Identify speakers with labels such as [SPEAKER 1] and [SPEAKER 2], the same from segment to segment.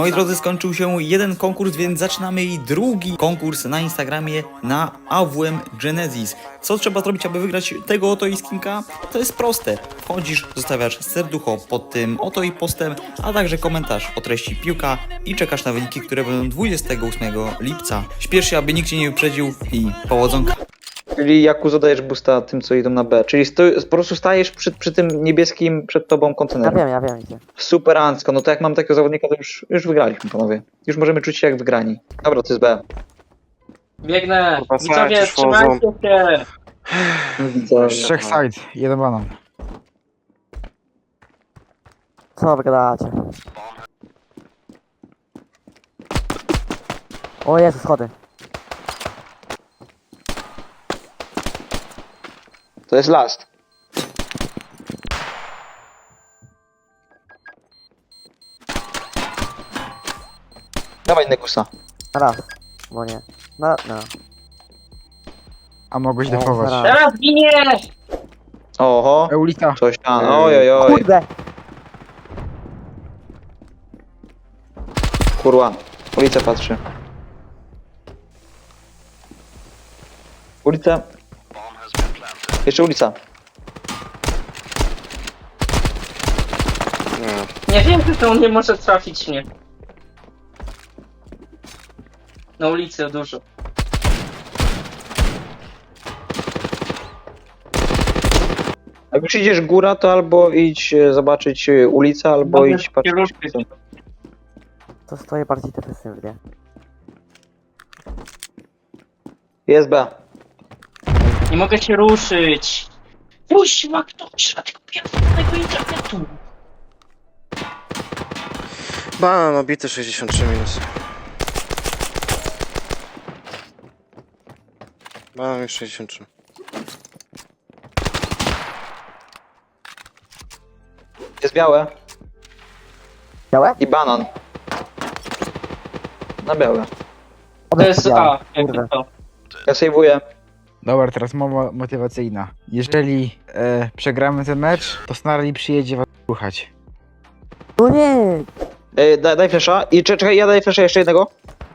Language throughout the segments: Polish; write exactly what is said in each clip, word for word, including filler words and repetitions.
[SPEAKER 1] Moi drodzy, skończył się jeden konkurs, więc zaczynamy i drugi konkurs na Instagramie na A W M Genesis. Co trzeba zrobić, aby wygrać tego oto i skinka? To jest proste. Wchodzisz, zostawiasz serducho pod tym oto i postem, a także komentarz o treści piłka i czekasz na wyniki, które będą dwudziestego ósmego lipca. Śpiesz się, aby nikt cię nie wyprzedził i powodzonka.
[SPEAKER 2] Czyli Jaku zadajesz boosta tym, co idą na B. Czyli stoi, po prostu stajesz przy, przy tym niebieskim przed tobą
[SPEAKER 3] Ja
[SPEAKER 2] kontenerem.
[SPEAKER 3] wiem, ja wiem gdzie.
[SPEAKER 2] Super Ancko, no to jak mam takiego zawodnika, to już, już wygraliśmy, panowie. Już możemy czuć się jak wygrani. Dobra, to jest B.
[SPEAKER 4] Biegnę!
[SPEAKER 5] Kurwa,
[SPEAKER 4] Widzowie,
[SPEAKER 5] side
[SPEAKER 4] trzymajcie się!
[SPEAKER 2] Widzę.
[SPEAKER 5] Trzech side, jeden banan.
[SPEAKER 3] Co wy gadacie? O Jezu, schody.
[SPEAKER 2] To jest last. Dawaj Negusa.
[SPEAKER 3] Na raz. Bo nie. Na, no.
[SPEAKER 5] A mogłeś
[SPEAKER 3] O,
[SPEAKER 5] defować.
[SPEAKER 3] zaraz.
[SPEAKER 4] Teraz giniesz!
[SPEAKER 2] Oho,
[SPEAKER 5] Eulita.
[SPEAKER 2] coś tam. Oj, oj, oj.
[SPEAKER 3] Kurde!
[SPEAKER 2] Kurwa. Ulica patrzy. Ulica. Jeszcze ulica.
[SPEAKER 4] Nie wiem, czy on nie może trafić mnie. Na ulicy dużo.
[SPEAKER 2] Jak już idziesz góra, to albo idź e, zobaczyć e, ulicę, albo
[SPEAKER 4] Mogę
[SPEAKER 2] idź patrzeć.
[SPEAKER 4] kierunki.
[SPEAKER 3] To stoję bardziej defensywnie.
[SPEAKER 2] Jest B.
[SPEAKER 4] Nie mogę się ruszyć! Puść ma ktoś na tego pierwszego internetu!
[SPEAKER 5] Banan obity sześćdziesiąt trzy minus. Banan już sześćdziesiąt trzy.
[SPEAKER 2] Jest białe.
[SPEAKER 3] Białe?
[SPEAKER 2] I banan. Na białe.
[SPEAKER 4] To jest A, jakby
[SPEAKER 3] Kurde.
[SPEAKER 4] to.
[SPEAKER 2] Ja sejwuję.
[SPEAKER 5] Dobra, teraz mowa motywacyjna. Jeżeli e, przegramy ten mecz, to Snarly przyjedzie was słuchać.
[SPEAKER 3] No nie!
[SPEAKER 2] E, daj, daj flesza. I cze- czekaj, ja daję flesza jeszcze jednego.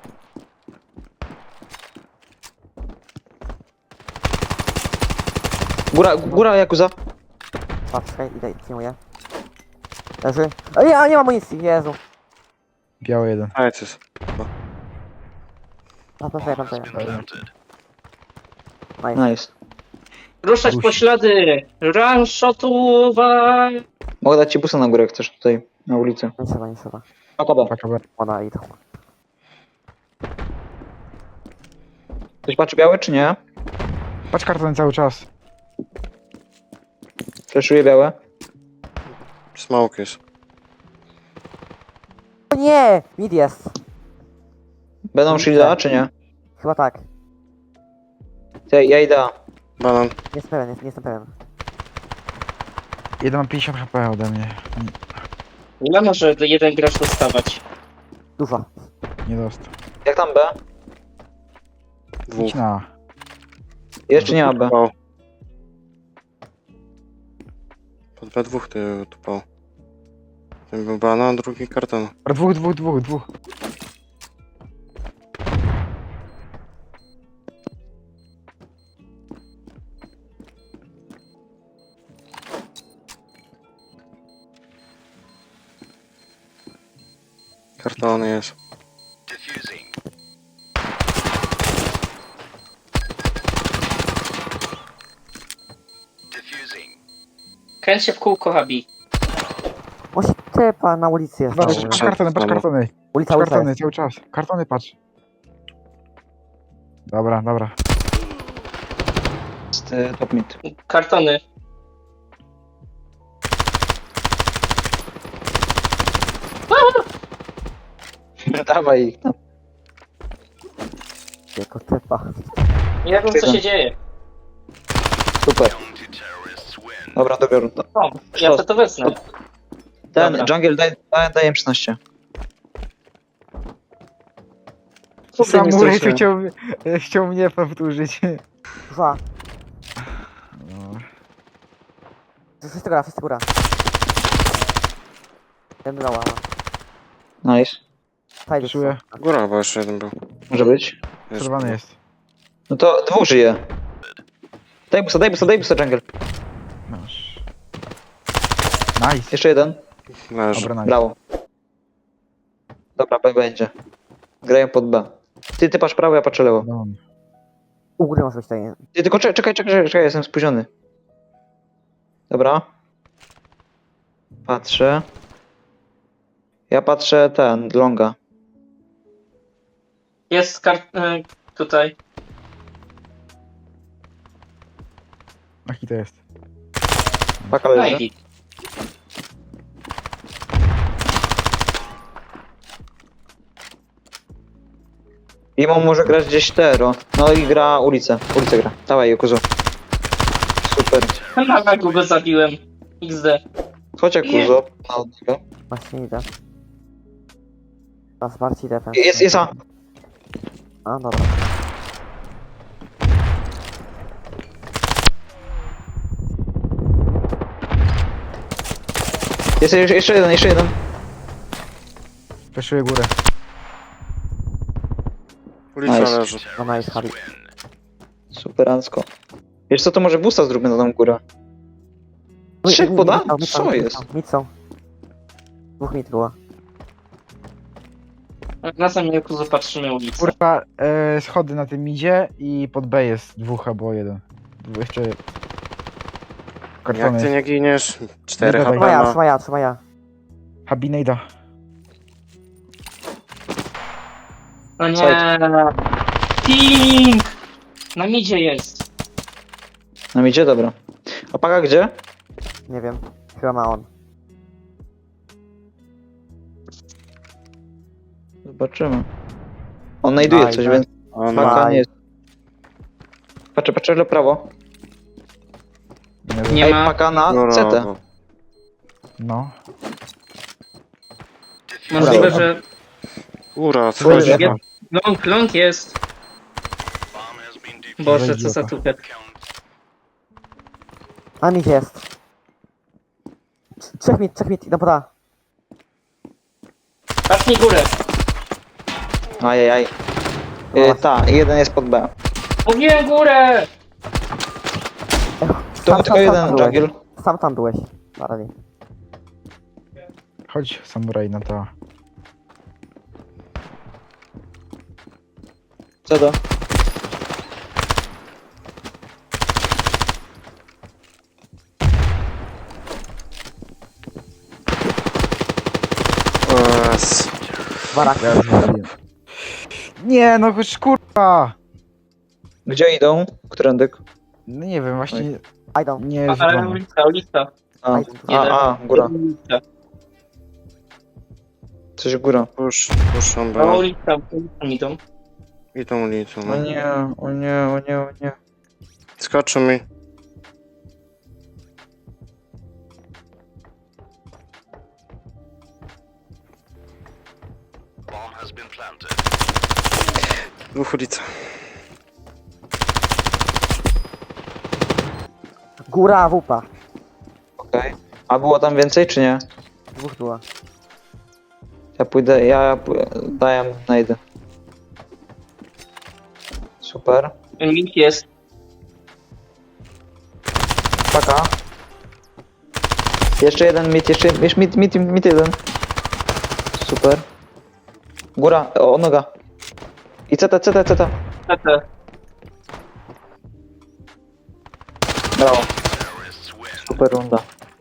[SPEAKER 2] Góra, góra Jakuza.
[SPEAKER 3] Patrz, czekaj, idę, przyjmuję. Leży. O nie, a nie mam amunicji, Jezu.
[SPEAKER 5] Biały jeden.
[SPEAKER 6] A, co jest?
[SPEAKER 3] A, plantuję, plantuję. Nice.
[SPEAKER 2] Nice.
[SPEAKER 4] Ruszać
[SPEAKER 5] Rusi.
[SPEAKER 4] po ślady! Run shotowa!
[SPEAKER 2] Mogę dać ci busa na górę, jak chcesz tutaj, na ulicę.
[SPEAKER 3] Nie trzeba, nie trzeba.
[SPEAKER 2] Paka B.
[SPEAKER 5] Paka B.
[SPEAKER 3] Ona idą.
[SPEAKER 2] Ktoś patrzy białe, czy nie?
[SPEAKER 5] Patrz karton cały czas.
[SPEAKER 2] Fleszuje białe.
[SPEAKER 6] Smoke jest.
[SPEAKER 3] O nie! Mid jest.
[SPEAKER 2] Będą shielda, czy nie?
[SPEAKER 3] Chyba tak.
[SPEAKER 2] Ty, ja idę. A.
[SPEAKER 6] Banan.
[SPEAKER 3] Nie jestem pewien, nie, nie jestem pewien.
[SPEAKER 5] Jeden ma pięćdziesiąt H P ode mnie.
[SPEAKER 4] Ile może jeden gracz dostawać?
[SPEAKER 3] Dużo.
[SPEAKER 5] Nie dostał.
[SPEAKER 2] Jak tam B?
[SPEAKER 6] Dwóch.
[SPEAKER 5] Idź na.
[SPEAKER 2] Jest czy nie ma B?
[SPEAKER 6] Tupał. Pod B dwóch ty tupał. Ten był banan, drugi karton.
[SPEAKER 5] A dwóch, dwóch, dwóch, dwóch.
[SPEAKER 6] Kartony jest.
[SPEAKER 4] Kręć się w kółko, Habi.
[SPEAKER 3] O się typa na ulicy jest.
[SPEAKER 5] Patrz,
[SPEAKER 3] No,
[SPEAKER 5] patrz kartony, patrz kartony.
[SPEAKER 3] ulica,
[SPEAKER 5] Patrz
[SPEAKER 3] ulica
[SPEAKER 5] kartony
[SPEAKER 3] jest.
[SPEAKER 5] cały czas. Kartony patrz. Dobra, dobra.
[SPEAKER 2] Jest e, top mid.
[SPEAKER 4] Kartony.
[SPEAKER 2] Dawaj ich.
[SPEAKER 3] Jako typa.
[SPEAKER 4] Nie wiem, co się dzieje.
[SPEAKER 2] Super. Dobra, dobiorę. to.
[SPEAKER 4] O, ja to, to wezmę.
[SPEAKER 2] Ten,
[SPEAKER 4] Dobra.
[SPEAKER 2] jungle, daj, daj, daję szesnaście.
[SPEAKER 4] Kurde, nie
[SPEAKER 5] Samurai
[SPEAKER 4] zdążyłem.
[SPEAKER 5] chciał, chciał mnie powtórzyć.
[SPEAKER 3] Dwa.
[SPEAKER 5] No.
[SPEAKER 3] Wszyscy góra, wszyscy góra. Ten dała.
[SPEAKER 2] Nice.
[SPEAKER 3] Side
[SPEAKER 5] Wyszuję.
[SPEAKER 6] Góra chyba jeszcze jeden był.
[SPEAKER 2] Może być.
[SPEAKER 6] Wiesz,
[SPEAKER 5] Przerwany jest.
[SPEAKER 2] No to dwóch żyje. Daj busta, daj busta, daj busta, jungle.
[SPEAKER 5] Masz. Nice.
[SPEAKER 2] Jeszcze jeden.
[SPEAKER 6] Leży.
[SPEAKER 5] Dobra, nice.
[SPEAKER 2] Brawo. Dobra, B będzie. Grają pod B. Ty, ty patrz prawo, ja patrzę lewo.
[SPEAKER 5] No.
[SPEAKER 3] U góry może być tutaj.
[SPEAKER 2] Ty, tylko czekaj, czekaj, czekaj, czekaj, jestem spóźniony. Dobra. Patrzę. Ja patrzę ten, longa.
[SPEAKER 4] Jest kart... e, tutaj.
[SPEAKER 5] Jaki to jest?
[SPEAKER 2] Paka leży.
[SPEAKER 4] Najdi.
[SPEAKER 2] Imo może grać gdzieś tero. No i gra ulicę. Ulicę gra. Dawaj, Jakuzu. Super.
[SPEAKER 4] Na lagu go zabiłem. iks de.
[SPEAKER 2] Chodź, Jakuzo. Na odnogę.
[SPEAKER 3] Właśnie idę. Teraz bardziej defense.
[SPEAKER 2] Jest, jest A.
[SPEAKER 3] A, dobra.
[SPEAKER 2] Jest jeszcze jeszcze jeden, jeszcze jeden.
[SPEAKER 5] Peszuję górę.
[SPEAKER 6] Ulica
[SPEAKER 2] Nice.
[SPEAKER 6] leży.
[SPEAKER 3] No nice, Harry.
[SPEAKER 2] Superancko. Wiesz co, to może busta zróbmy na tą górę. Trzech poda? Co jest?
[SPEAKER 3] Mid są. Dwóch mid było.
[SPEAKER 4] Na samym jaku zapatrzymy ulicę.
[SPEAKER 5] Kurwa, e, schody na tym idzie i pod B jest dwóch albo jeden. Dwu- Jeszcze... Kartony
[SPEAKER 6] Jak ty
[SPEAKER 5] jest.
[SPEAKER 6] nie giniesz? Cztery
[SPEAKER 5] Nie
[SPEAKER 6] H P
[SPEAKER 3] Trzymaj ja,
[SPEAKER 6] ma.
[SPEAKER 3] trzymaj ja, trzymaj ja.
[SPEAKER 5] Habinejda.
[SPEAKER 4] No nie. Ping! Na midzie jest.
[SPEAKER 2] Nam idzie? Dobra. A Paka gdzie?
[SPEAKER 3] Nie wiem. Chyba ma on.
[SPEAKER 2] Zobaczymy. On znajduje
[SPEAKER 3] Nice,
[SPEAKER 2] coś,
[SPEAKER 3] nice.
[SPEAKER 2] więc
[SPEAKER 6] On
[SPEAKER 3] Ma-
[SPEAKER 2] Paka
[SPEAKER 6] ma.
[SPEAKER 2] nie jest. Patrzę, patrzę na prawo.
[SPEAKER 5] Nie
[SPEAKER 4] Nie
[SPEAKER 2] Ej,
[SPEAKER 4] ma.
[SPEAKER 2] Paka na
[SPEAKER 6] Góra,
[SPEAKER 2] C T.
[SPEAKER 6] bo-
[SPEAKER 5] No.
[SPEAKER 4] Możliwe, że
[SPEAKER 6] Góra,
[SPEAKER 5] Góra.
[SPEAKER 6] wchodzi.
[SPEAKER 4] Jest. long, long jest. Boże, co za tupet.
[SPEAKER 3] A mid jest. Trz- Trzech mid, trzech mid, idę poda.
[SPEAKER 4] Patrz mi górę.
[SPEAKER 2] Ajajaj. Y, ta, jeden jest pod B.
[SPEAKER 4] Mówiłem górę!
[SPEAKER 2] Tu był tylko jeden
[SPEAKER 3] byłeś.
[SPEAKER 2] jungle.
[SPEAKER 3] Sam tam byłeś. Na razie.
[SPEAKER 5] Chodź, samuraj na to.
[SPEAKER 2] Co to?
[SPEAKER 6] Es.
[SPEAKER 3] Barak.
[SPEAKER 5] Ja zwaliłem. Nie, no choć kurwa!
[SPEAKER 2] Gdzie idą? Którędyk?
[SPEAKER 5] No nie wiem, właśnie
[SPEAKER 3] Idą.
[SPEAKER 5] nie
[SPEAKER 4] Ale
[SPEAKER 5] rzucamy.
[SPEAKER 4] ulica, ulica.
[SPEAKER 2] A,
[SPEAKER 4] Jeden.
[SPEAKER 2] a, a góra.
[SPEAKER 4] Ulica.
[SPEAKER 2] Coś góra.
[SPEAKER 6] Push, puszczą
[SPEAKER 4] No
[SPEAKER 6] B.
[SPEAKER 4] ulica, ulica idą.
[SPEAKER 6] I tą ulicą.
[SPEAKER 2] O
[SPEAKER 6] No.
[SPEAKER 2] nie, o nie, o nie, o nie.
[SPEAKER 6] Skoczy mi. Dwóch ulica.
[SPEAKER 3] Góra, wupa.
[SPEAKER 2] Okej. A było tam więcej, czy nie?
[SPEAKER 3] Dwóch było.
[SPEAKER 2] Ja pójdę, ja pó- daję, najdę. Super.
[SPEAKER 4] Link jest.
[SPEAKER 2] Paka. Jeszcze jeden mit, jeszcze, jeszcze mit, mit, mit jeden. Super. Góra, o, noga. I C T, C T, C T.
[SPEAKER 4] C T.
[SPEAKER 2] Brawo. Super runda.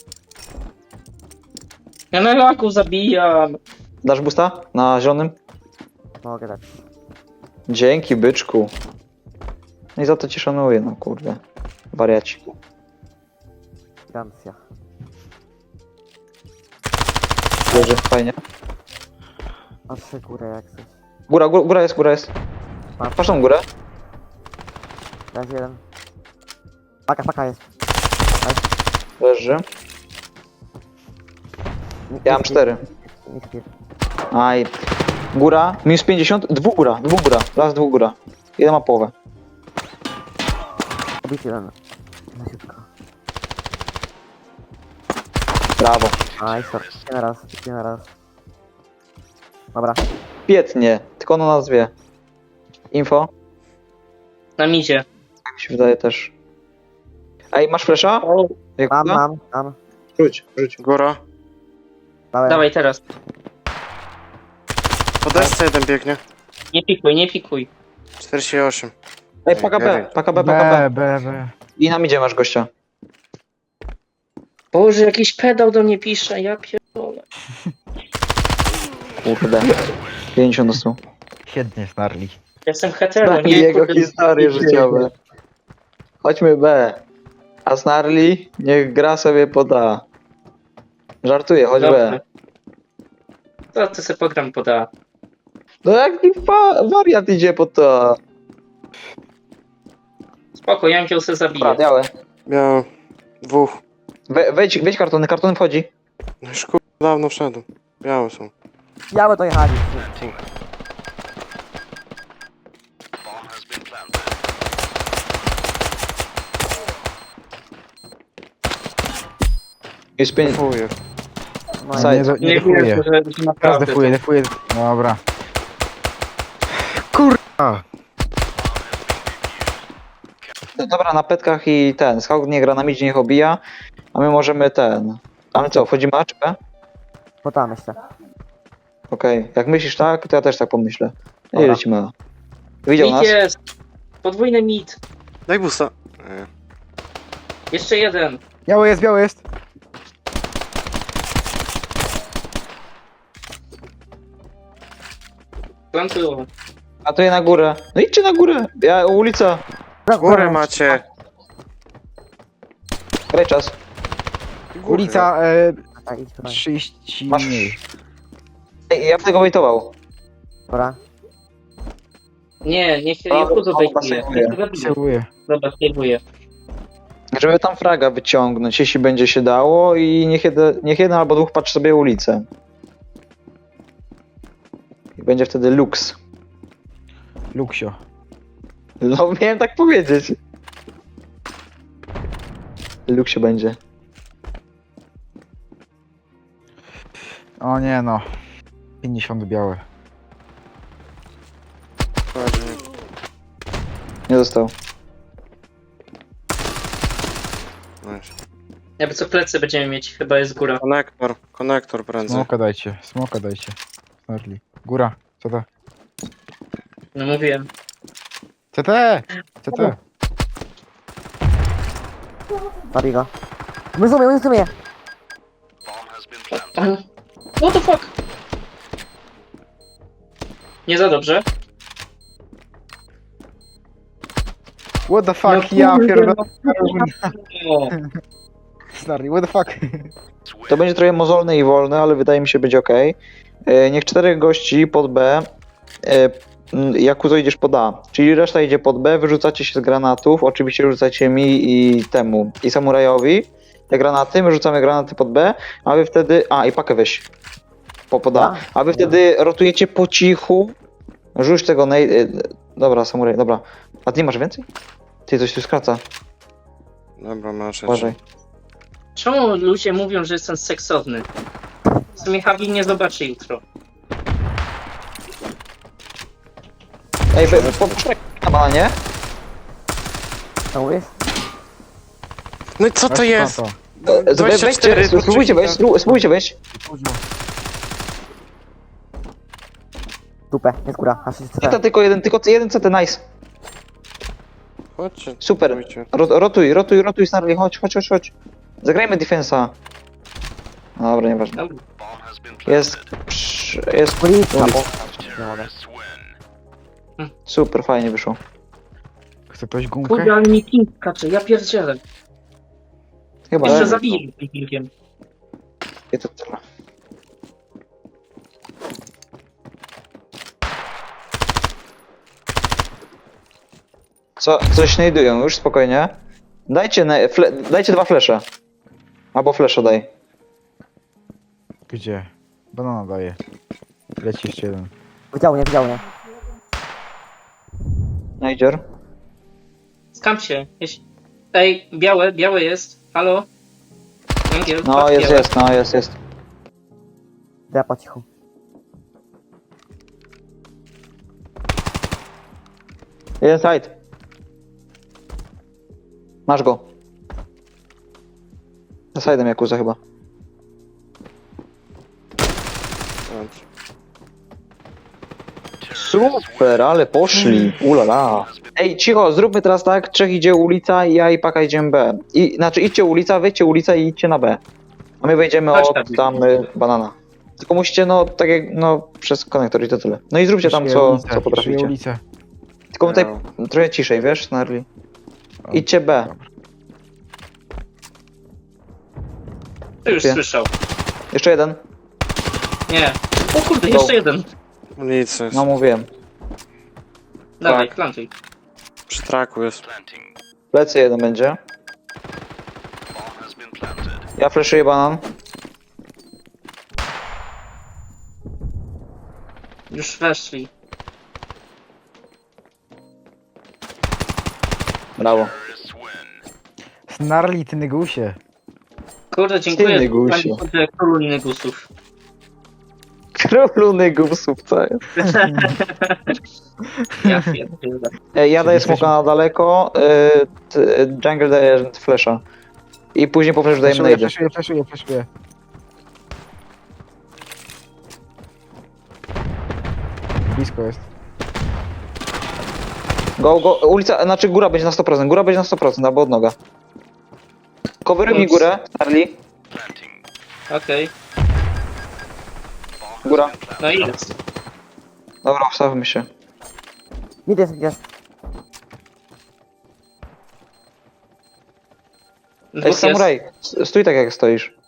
[SPEAKER 4] Ja na laku zabijam.
[SPEAKER 2] Dasz busta? Na zielonym?
[SPEAKER 3] Mogę dać.
[SPEAKER 2] Dzięki, byczku. No i za to cię szanuję, no kurde. Wariaci.
[SPEAKER 3] Gancja.
[SPEAKER 2] Leży, fajnie.
[SPEAKER 3] A trzy górę jak coś.
[SPEAKER 2] Góra, góra, góra jest, góra jest. Patrz tą górę.
[SPEAKER 3] Leży jeden. Paka, paka jest.
[SPEAKER 2] Leży. Ja mam cztery.
[SPEAKER 3] Nikt nie.
[SPEAKER 2] Aj. Góra, minus pięćdziesiąt, dwóch góra, dwóch góra, raz dwóch góra. Jeden ma połowę.
[SPEAKER 3] Obity jeden. Na szybko.
[SPEAKER 2] Brawo.
[SPEAKER 3] Nice, jeden raz, jeden raz. Dobra.
[SPEAKER 2] Świetnie, tylko ono nas wie. Info?
[SPEAKER 4] Na midzie.
[SPEAKER 2] Tak mi się wydaje też. Ej, masz flesza?
[SPEAKER 4] O,
[SPEAKER 2] Jak
[SPEAKER 3] Mam,
[SPEAKER 2] uda?
[SPEAKER 3] mam, mam.
[SPEAKER 2] Rzuć, rzuć.
[SPEAKER 6] Góra.
[SPEAKER 3] Dałem.
[SPEAKER 4] dawaj teraz.
[SPEAKER 6] Po desce jeden biegnie.
[SPEAKER 4] Nie pikuj, nie pikuj.
[SPEAKER 6] czterdzieści osiem.
[SPEAKER 2] Ej, paka B, paka B, paka B.
[SPEAKER 5] B, B, B.
[SPEAKER 2] I na midzie masz gościa.
[SPEAKER 4] Boże, jakiś pedał do mnie pisze, ja pierdolę.
[SPEAKER 2] Kurde. pięćdziesiąt dostał.
[SPEAKER 5] Świetnie, Snarli.
[SPEAKER 4] Jestem hetero,
[SPEAKER 2] I
[SPEAKER 4] nie?
[SPEAKER 2] jego
[SPEAKER 4] Kurde,
[SPEAKER 2] historie życiowe. Chodźmy B. A Snarly niech gra sobie pod A. Żartuję, chodź B.
[SPEAKER 4] Dobrze. To ty sobie pogram poda.
[SPEAKER 2] No jaki fa- wariat idzie pod to?
[SPEAKER 4] Spoko, ja bym sobie zabiję.
[SPEAKER 2] Dobra, białe.
[SPEAKER 6] Miałem dwóch.
[SPEAKER 2] We, wejdź, wejdź kartony, kartony wchodzi.
[SPEAKER 6] No już kur... dawno wszedł. Białe są.
[SPEAKER 3] Białe dojechali.
[SPEAKER 2] Jest pięć.
[SPEAKER 6] Fuję.
[SPEAKER 3] No,
[SPEAKER 2] Side.
[SPEAKER 5] Nie, do- nie
[SPEAKER 4] Nie
[SPEAKER 5] defuję.
[SPEAKER 4] wiem, że, że
[SPEAKER 5] Teraz
[SPEAKER 4] naprawdę.
[SPEAKER 5] defuję, defuję. Dobra. Kurwa!
[SPEAKER 2] No dobra, na petkach i ten. Scout nie gra na midzie, niech obija. A my możemy ten. A my co, wchodzimy A czy B?
[SPEAKER 3] bo tam jeszcze.
[SPEAKER 2] Okej. Jak myślisz tak, to ja też tak pomyślę. I
[SPEAKER 3] Dobra.
[SPEAKER 2] lecimy A. Widział
[SPEAKER 4] Mit
[SPEAKER 2] nas?
[SPEAKER 4] jest! Podwójny mit.
[SPEAKER 6] Daj busta. Nie.
[SPEAKER 4] Jeszcze jeden.
[SPEAKER 5] Biały jest, biały jest.
[SPEAKER 4] Plantują.
[SPEAKER 2] A to je na górę. No idźcie na górę. Ja, ulica.
[SPEAKER 6] Górę macie.
[SPEAKER 2] Graj czas.
[SPEAKER 6] Górę.
[SPEAKER 5] Ulica e,
[SPEAKER 3] Tak, idź tutaj.
[SPEAKER 5] trzydzieści
[SPEAKER 2] Masz-
[SPEAKER 5] mniej.
[SPEAKER 2] Ej, ja bym tego wejtował.
[SPEAKER 3] Dobra.
[SPEAKER 4] Nie, niech
[SPEAKER 2] O,
[SPEAKER 4] ja chudo
[SPEAKER 2] o,
[SPEAKER 4] wejdzie.
[SPEAKER 2] pasuje.
[SPEAKER 5] Celuję.
[SPEAKER 4] Dobra, spróbuję.
[SPEAKER 2] Żeby tam fraga wyciągnąć, jeśli będzie się dało i niech jeden, niech jeden albo dwóch patrzy sobie ulicę. I będzie wtedy luks.
[SPEAKER 5] Luksio.
[SPEAKER 2] No miałem tak powiedzieć. Luksie będzie.
[SPEAKER 5] O nie no. pięćdziesiąt białe.
[SPEAKER 2] Nie został.
[SPEAKER 6] Nice.
[SPEAKER 4] Jakby co plecy będziemy mieć, chyba jest góra.
[SPEAKER 6] Konektor. Konektor prędzej.
[SPEAKER 5] Smoka dajcie, smoka dajcie. Snarli. Góra. Co to?
[SPEAKER 4] No mówiłem.
[SPEAKER 5] C T! C T!
[SPEAKER 3] Zabij go. My zumie, my zumie.
[SPEAKER 4] What the fuck? Nie za dobrze.
[SPEAKER 5] What the fuck?
[SPEAKER 4] No
[SPEAKER 5] Ja
[SPEAKER 4] kurde,
[SPEAKER 5] pierdolę.
[SPEAKER 4] O,
[SPEAKER 5] Snarli, what the fuck?
[SPEAKER 2] To będzie trochę mozolne i wolne, ale wydaje mi się być ok. E, niech czterech gości pod B. E, m, Jakuzo idziesz pod A. Czyli reszta idzie pod B, wyrzucacie się z granatów. Oczywiście rzucacie mi i temu. I samurajowi. Te granaty, my rzucamy granaty pod B, a wy wtedy. A i pakę weź. Po pod A. A wy wtedy rotujecie po cichu. Rzuć tego nej... e, Dobra, samuraj, dobra. A ty nie masz więcej? Ty coś tu skraca.
[SPEAKER 6] Dobra, masz.
[SPEAKER 2] Uważaj.
[SPEAKER 4] czemu ludzie mówią, że jestem seksowny? W sumie Habi nie zobaczy jutro.
[SPEAKER 2] Ej, we- po, poczekaj na bananie.
[SPEAKER 3] Co mówisz?
[SPEAKER 6] No i co to
[SPEAKER 5] Weź
[SPEAKER 6] jest?
[SPEAKER 5] to.
[SPEAKER 2] E, we-
[SPEAKER 6] dwadzieścia cztery,
[SPEAKER 2] Weźcie, spróbujcie wejść, spró- spróbujcie wejść.
[SPEAKER 3] Dupę, jest góra. Aż jest
[SPEAKER 2] Nie to tylko jeden, tylko jeden C T, nice.
[SPEAKER 6] Chodźcie.
[SPEAKER 2] Super.
[SPEAKER 6] spróbujcie.
[SPEAKER 2] Ro- rotuj, rotuj, rotuj, Snarly, chodź, chodź, chodź, chodź. Zagrajmy defensa. Dobra, nieważne.
[SPEAKER 4] Dobra.
[SPEAKER 2] Jest, psz, jest,
[SPEAKER 3] Ulica,
[SPEAKER 2] ulica.
[SPEAKER 3] bo... Nie mogę.
[SPEAKER 2] Super, fajnie wyszło.
[SPEAKER 5] Chce ktoś
[SPEAKER 4] Kurde,
[SPEAKER 5] gumkę?
[SPEAKER 4] ale mi ping skacze, ja pierdzielę.
[SPEAKER 2] Chyba,
[SPEAKER 4] Jeszcze
[SPEAKER 2] że
[SPEAKER 4] zabiję tym pingiem.
[SPEAKER 2] nie to tyle. Co, coś znajdują, już spokojnie. Dajcie, ne- fle- dajcie dwa flesze. Albo flesza daj.
[SPEAKER 5] Gdzie? Banana daje. Leci jeszcze jeden.
[SPEAKER 3] Widział mnie, widział mnie.
[SPEAKER 2] Najdzior.
[SPEAKER 4] Skam się. Jeśli... Ej, białe, białe jest. Halo? Węgiel,
[SPEAKER 2] No,
[SPEAKER 4] patrz,
[SPEAKER 2] jest,
[SPEAKER 4] białe.
[SPEAKER 2] jest, no, jest, jest.
[SPEAKER 3] Ja po cichu.
[SPEAKER 2] Jeden side. Masz go. Za side'em Jakuza chyba. Super, ale poszli. Ulala. Ej, cicho, zróbmy teraz tak. Trzech idzie ulica i ja i Paka idziemy B. I, znaczy idźcie ulica, wyjdźcie ulica i idźcie na B. A my wejdziemy
[SPEAKER 4] Chodź
[SPEAKER 2] od
[SPEAKER 4] tam.
[SPEAKER 2] tam y, banana. Tylko musicie, no, tak jak, no, przez konektor i to tyle. No i zróbcie tam,
[SPEAKER 5] Przeszuję
[SPEAKER 2] co,
[SPEAKER 5] ulicę,
[SPEAKER 2] co
[SPEAKER 5] przeszuję
[SPEAKER 2] potraficie.
[SPEAKER 5] ulicę.
[SPEAKER 2] Tylko tutaj trochę ciszej, wiesz, Snarly? Idźcie B.
[SPEAKER 4] Ty już
[SPEAKER 2] Gdzie?
[SPEAKER 4] słyszał.
[SPEAKER 2] Jeszcze jeden.
[SPEAKER 4] Nie. O kurde,
[SPEAKER 2] Go.
[SPEAKER 4] jeszcze jeden.
[SPEAKER 6] Ulicy jest.
[SPEAKER 2] No mówiłem.
[SPEAKER 4] Dawaj, plantuj.
[SPEAKER 6] Przy traku jest.
[SPEAKER 2] Plecy jeden będzie. Ja flashuję banan.
[SPEAKER 4] Już weszli.
[SPEAKER 2] Brawo.
[SPEAKER 5] Snarli, ty nygusie.
[SPEAKER 4] Kurde, dziękuję.
[SPEAKER 2] Silny gusiu.
[SPEAKER 4] Kurde, królu negusów.
[SPEAKER 2] Królu nygusów, co jest?
[SPEAKER 4] Ja pierdolę.
[SPEAKER 2] Ej, ja daję
[SPEAKER 5] Jesteśmy-
[SPEAKER 2] smoka na daleko, y, t, jungle daje flasha. I później po flashu dajemy
[SPEAKER 5] Flashuję,
[SPEAKER 2] nade.
[SPEAKER 5] flashuję, flashuję, flashuję. Blisko jest.
[SPEAKER 2] Go, go, ulica, znaczy góra będzie na sto procent, góra będzie na sto procent, albo od noga. Coveruj mi
[SPEAKER 4] Ups.
[SPEAKER 2] górę, Charlie.
[SPEAKER 4] Okej.
[SPEAKER 2] Góra.
[SPEAKER 4] No i jest.
[SPEAKER 2] Dobra, ustawmy się.
[SPEAKER 3] Mid jest, jest.
[SPEAKER 2] Ej,
[SPEAKER 4] Dwóch jest.
[SPEAKER 2] samuraj, s- stój tak jak stoisz.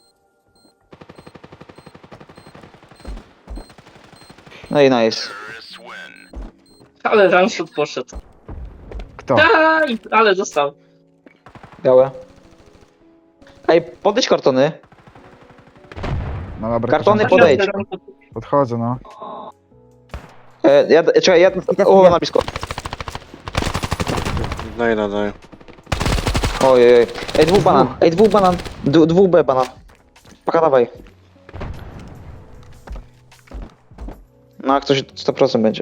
[SPEAKER 2] No i nice.
[SPEAKER 4] Ale Ramshot poszedł.
[SPEAKER 5] Kto?
[SPEAKER 4] Aj, ale dostał.
[SPEAKER 2] Białe. Ej, podejdź kartony.
[SPEAKER 5] No dobra,
[SPEAKER 2] Kartony
[SPEAKER 5] proszę.
[SPEAKER 2] podejdź.
[SPEAKER 5] Podchodzę, no.
[SPEAKER 2] E, ja, czekaj, ja... O, na blisko.
[SPEAKER 6] Daj, daj, daj.
[SPEAKER 2] Ojej, ej. Ej, dwóch banan, ej, dwóch banan. D dwóch B banan. Paka, dawaj. No, jak ktoś sto procent będzie.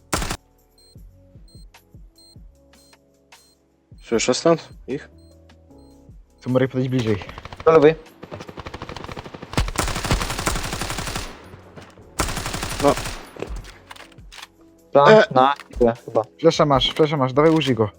[SPEAKER 6] Słyszę stąd? Ich?
[SPEAKER 5] Tu mogę podejść bliżej.
[SPEAKER 2] Do lewej.
[SPEAKER 6] No.
[SPEAKER 2] Plank
[SPEAKER 6] E.
[SPEAKER 2] na chwilę chyba.
[SPEAKER 5] Flesza masz, flesza masz, dawaj użyj go.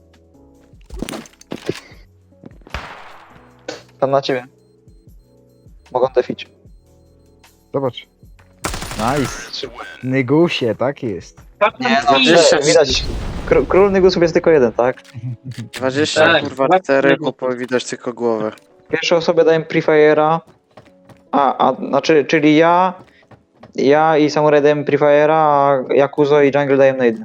[SPEAKER 2] Tam na ciebie. Mogą defić.
[SPEAKER 5] Zobacz. Nice. Nygusie, tak jest.
[SPEAKER 2] Nie, no,
[SPEAKER 6] dwadzieścia.
[SPEAKER 2] że, widać. Kró król Nygusów jest tylko jeden, tak?
[SPEAKER 6] dwadzieścia,
[SPEAKER 4] Tak,
[SPEAKER 6] kurwa,
[SPEAKER 4] dwadzieścia
[SPEAKER 6] cztery,
[SPEAKER 4] negusów.
[SPEAKER 6] po widać tylko głowę.
[SPEAKER 2] Pierwszej osobie dałem Prefire'a. A, a, znaczy, czyli ja, ja i Samurai dałem Prefire'a, a Yakuzo i Jungle daję Nade.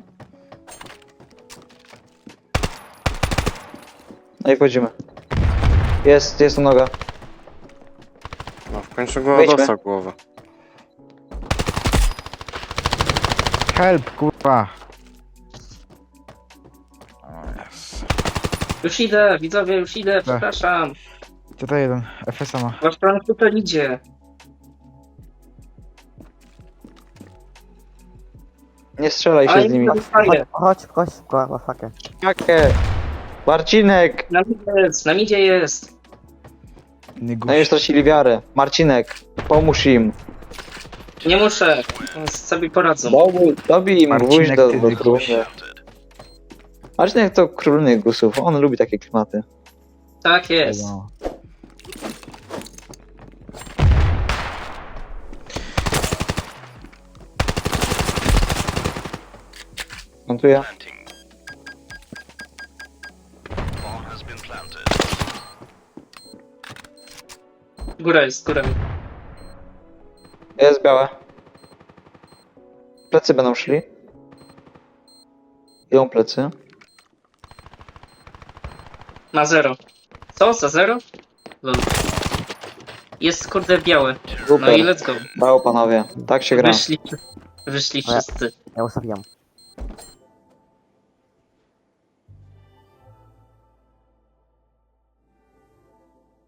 [SPEAKER 2] No i wchodzimy. Jest, jest tu noga.
[SPEAKER 6] No, w końcu go
[SPEAKER 2] Wejdźmy.
[SPEAKER 6] dostał głowę.
[SPEAKER 5] Help, kurwa. O yes.
[SPEAKER 4] Już idę, widzowie, już idę,
[SPEAKER 2] Tak.
[SPEAKER 4] przepraszam.
[SPEAKER 5] Co to jeden? F S A ma.
[SPEAKER 4] Wasz plan tutaj idzie.
[SPEAKER 2] Nie strzelaj się
[SPEAKER 4] Ale
[SPEAKER 2] z nimi.
[SPEAKER 4] nie dostaję.
[SPEAKER 3] Chodź, chodź, szybko, masakę.
[SPEAKER 2] Jakie? Marcinek!
[SPEAKER 4] Na midzie jest, na midzie jest.
[SPEAKER 2] No i
[SPEAKER 5] Nygusie.
[SPEAKER 2] stracili wiarę. Marcinek, pomóż im.
[SPEAKER 4] Nie muszę, sobie poradzą.
[SPEAKER 2] Dobij, dobij im
[SPEAKER 5] Marcinek,
[SPEAKER 2] gwóźdź do,
[SPEAKER 5] ty
[SPEAKER 2] do
[SPEAKER 5] Nygusie.
[SPEAKER 2] trumny. Marcinek to król Nygusów, on lubi takie klimaty.
[SPEAKER 4] Tak jest.
[SPEAKER 5] No.
[SPEAKER 2] Montuję.
[SPEAKER 4] Góra jest, góra.
[SPEAKER 2] Jest białe. Plecy będą szli. Idą plecy.
[SPEAKER 4] Ma zero. Co? Za zero? Lol. Jest kurde białe. No
[SPEAKER 2] Super.
[SPEAKER 4] i let's go.
[SPEAKER 2] Brawo panowie, tak się gra.
[SPEAKER 4] Wyszli. Wyszli
[SPEAKER 3] Ale-
[SPEAKER 4] wszyscy.
[SPEAKER 3] Ja ustawiam.